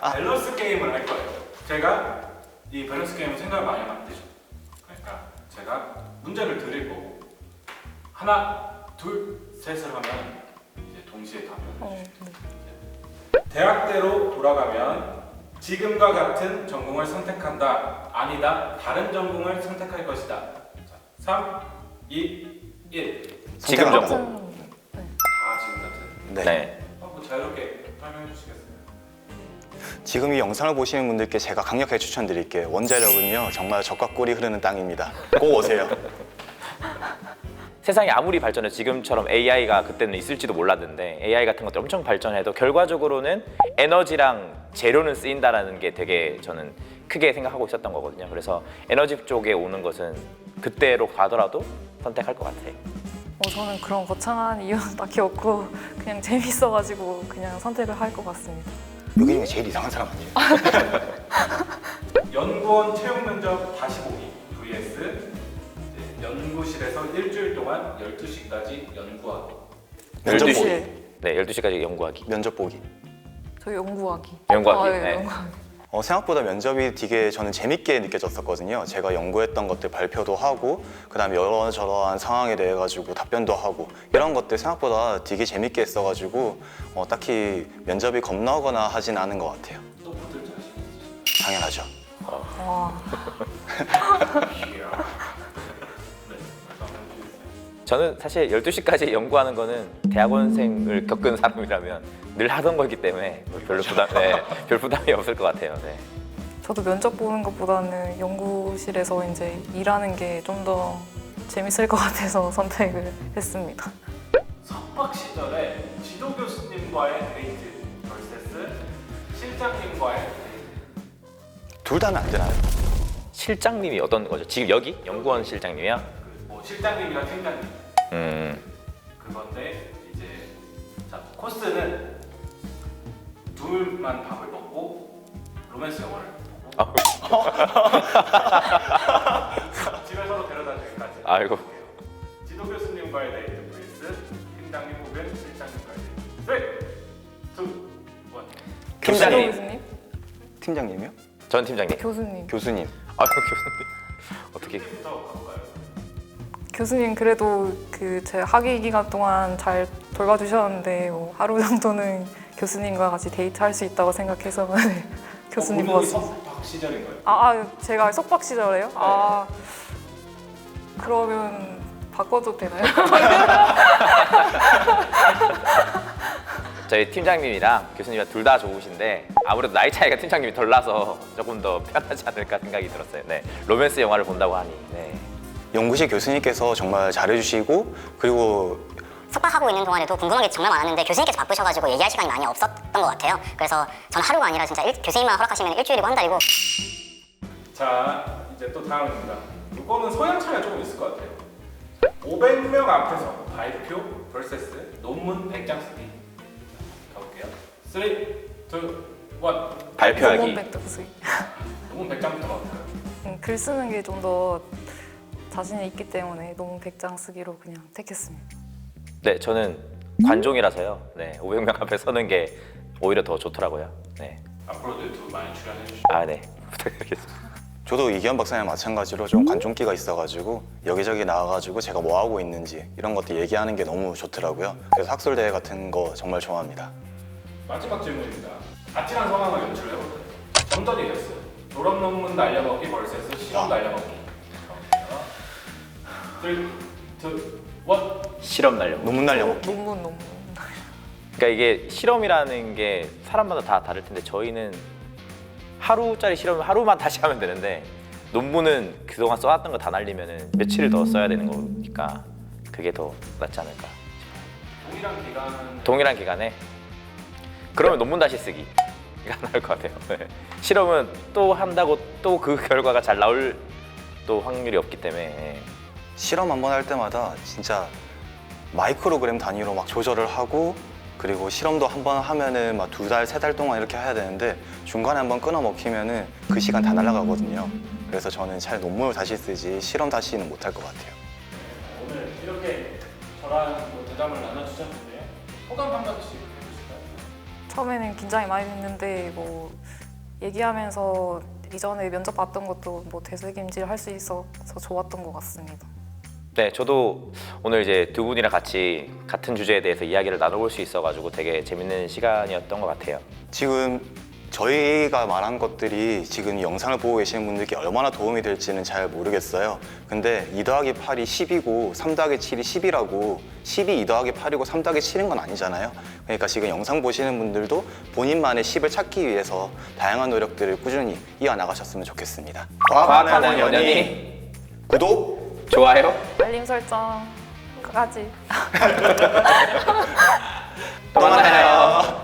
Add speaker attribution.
Speaker 1: 밸런스 게임을 할 거예요. 제가 이 밸런스 게임을 생각을 많이 하면 안 되죠. 그러니까 제가 문제를 드릴 거고 하나, 둘, 셋을 하면 이제 동시에 답변을 해주세요. 대학대로 돌아가면 지금과 같은 전공을 선택한다. 아니다. 다른 전공을 선택할 것이다. 자, 3, 2, 1.
Speaker 2: 지금 전공.
Speaker 1: 다 지금 같은.
Speaker 2: 네.
Speaker 3: 네.
Speaker 1: 한번 자유롭게 설명해 주시겠어요?
Speaker 2: 지금 이 영상을 보시는 분들께 제가 강력하게 추천드릴게요. 원자력은요 정말 적과 꿀이 흐르는 땅입니다. 꼭 오세요.
Speaker 3: 세상이 아무리 발전해도 지금처럼 AI가 그때는 있을지도 몰랐는데 AI 같은 것들 엄청 발전해도 결과적으로는 에너지랑 재료는 쓰인다라는 게 되게 저는 크게 생각하고 있었던 거거든요. 그래서 에너지 쪽에 오는 것은 그때로 가더라도 선택할 것 같아요.
Speaker 4: 저는 그런 거창한 이유는 딱히 없고 그냥 재밌어가지고 그냥 선택을 할 것 같습니다.
Speaker 2: 여기 중에 제일 이상한 사람 아니에요?
Speaker 1: 연구원 채용 면접 다시 보기 vs 이제 연구실에서 일주일 동안 12시까지 연구하기.
Speaker 2: 면접
Speaker 3: 12시.
Speaker 2: 보기.
Speaker 3: 네, 12시까지 연구하기.
Speaker 2: 면접 보기.
Speaker 4: 저 연구하기.
Speaker 3: 연구하기.
Speaker 4: 네,
Speaker 3: 네.
Speaker 4: 연구하기.
Speaker 2: 생각보다 면접이 되게 저는 재밌게 느껴졌었거든요. 제가 연구했던 것들 발표도 하고 그다음에 여러저러한 상황에 대해 가지고 답변도 하고 이런 것들 생각보다 되게 재밌게 했어가지고 딱히 면접이 겁나거나 하진 않은 것 같아요.
Speaker 1: 또 붙을 자신 있으신가요?
Speaker 2: 당연하죠.
Speaker 4: 와,
Speaker 1: 이야. 네, 말씀 한번 해주세요.
Speaker 3: 저는 사실 12시까지 연구하는 거는 대학원생을 겪은 사람이라면 늘 하던 거기 때문에 별로 별 부담이 없을 것 같아요. 네.
Speaker 4: 저도 면접 보는 것보다는 연구실에서 이제 일하는 게 좀 더 재밌을 것 같아서 선택을 했습니다.
Speaker 1: 석박 시절에 지도 교수님과의 데이트 vs 실장님과의 데이트.
Speaker 2: 둘 다는 안 되나요?
Speaker 3: 실장님이 어떤 거죠? 지금 여기 연구원 실장님이야?
Speaker 1: 뭐 실장님이랑 팀장님 그건데 이제 자 코스는 둘만 밥을 먹고 로맨스 영화를 보고 집에 서로 데려다 주기까지.
Speaker 3: 아이고.
Speaker 1: 지도 교수님과의 데이트 vs 팀장님 혹은 실장님과의 데이트. 3, 2, 1.
Speaker 3: 팀장님.
Speaker 4: 교수님?
Speaker 2: 팀장님이요?
Speaker 3: 전 팀장님.
Speaker 4: 교수님.
Speaker 2: 교수님.
Speaker 3: 아이고 교수님. 어떻게?
Speaker 1: 부터 가볼까요?
Speaker 4: 교수님 그래도 그 제 학위 기간 동안 잘 돌봐주셨는데 뭐 하루 정도는 교수님과 같이 데이트할 수 있다고 생각해서 네, 교수님 뽑았습니다.
Speaker 1: 석박 시절인가요?
Speaker 4: 제가 속박 시절에요? 그러면 바꿔도 되나요?
Speaker 3: 저희 팀장님이랑 교수님이랑 둘 다 좋으신데 아무래도 나이 차이가 팀장님이 덜 나서 조금 더 편하지 않을까 생각이 들었어요. 네. 로맨스 영화를 본다고 하니. 네.
Speaker 2: 연구실 교수님께서 정말 잘해주시고 그리고
Speaker 5: 석박하고 있는 동안에도 궁금한 게 정말 많았는데 교수님께서 바쁘셔가지고 얘기할 시간이 많이 없었던 것 같아요. 그래서 전 하루가 아니라 진짜 교수님만 허락하시면 일주일이고 한 달이고.
Speaker 1: 자 이제 또 다음입니다. 이거는 성향 차이가 조금 있을 것 같아요. 500명 앞에서 발표 vs 논문 100장 쓰기. 가볼게요. 3, 2, 1.
Speaker 3: 발표하기.
Speaker 4: 논문 백덕수.
Speaker 1: 논문 100장부터 가볼까요?
Speaker 4: 글 쓰는 게 좀 더 자신이 있기 때문에 논문 100장 쓰기로 그냥 택했습니다.
Speaker 3: 네, 저는 관종이라서요. 네, 500명 앞에 서는 게 오히려 더 좋더라고요. 네.
Speaker 1: 앞으로도 유튜브 많이 출연해 주시고.
Speaker 3: 아, 네. 부탁드리겠습니다.
Speaker 2: 저도 이기현 박사님 마찬가지로 좀 관종기가 있어가지고 여기저기 나와가지고 제가 뭐 하고 있는지 이런 것들 얘기하는 게 너무 좋더라고요. 그래서 학술대회 같은 거 정말 좋아합니다. 마지막
Speaker 1: 질문입니다. 아찔한 상황을 연출해볼까요? 정답이 이겼어요. 졸업 논문 날려먹기 vs 시험 날려먹기. 3, 2, 1.
Speaker 3: 실험 날려고.
Speaker 2: 논문 날려먹기.
Speaker 4: 논문.
Speaker 3: 그러니까 이게 실험이라는 게 사람마다 다 다를 텐데 저희는 하루짜리 실험을 하루만 다시 하면 되는데 논문은 그동안 써왔던 거 다 날리면은 며칠을 더 써야 되는 거니까 그게 더 낫지 않을까.
Speaker 1: 동일한 기간은
Speaker 3: 동일한 기간에 그러면 논문 다시 쓰기가 나을 것 같아요. 네. 실험은 또 한다고 또 그 결과가 잘 나올 또 확률이 없기 때문에.
Speaker 2: 실험 한 번 할 때마다 진짜 마이크로그램 단위로 막 조절을 하고 그리고 실험도 한 번 하면은 막 2달, 3달 동안 이렇게 해야 되는데 중간에 한 번 끊어 먹히면은 그 시간 다 날아가거든요. 그래서 저는 차라리 논문을 다시 쓰지 실험 다시는 못 할 것 같아요.
Speaker 1: 오늘 이렇게 저랑 대담을 나눠주셨는데요. 소감 한 마디씩 해주실까요?
Speaker 4: 처음에는 긴장이 많이 됐는데 뭐 얘기하면서 이전에 면접 봤던 것도 뭐 되새김질 할 수 있어서 좋았던 것 같습니다.
Speaker 3: 네, 저도 오늘 이제 두 분이랑 같이 같은 주제에 대해서 이야기를 나눠볼 수 있어가지고 되게 재밌는 시간이었던 것 같아요.
Speaker 2: 지금 저희가 말한 것들이 지금 이 영상을 보고 계시는 분들께 얼마나 도움이 될지는 잘 모르겠어요. 근데 2 더하기 8이 10이고 3 더하기 7이 10이라고 10이 2 더하기 8이고 3 더하기 7인 건 아니잖아요. 그러니까 지금 영상 보시는 분들도 본인만의 10을 찾기 위해서 다양한 노력들을 꾸준히 이어나가셨으면 좋겠습니다.
Speaker 3: 과학하는 연연이
Speaker 2: 구독!
Speaker 3: 좋아요.
Speaker 4: 알림 설정까지.
Speaker 3: 또 만나요.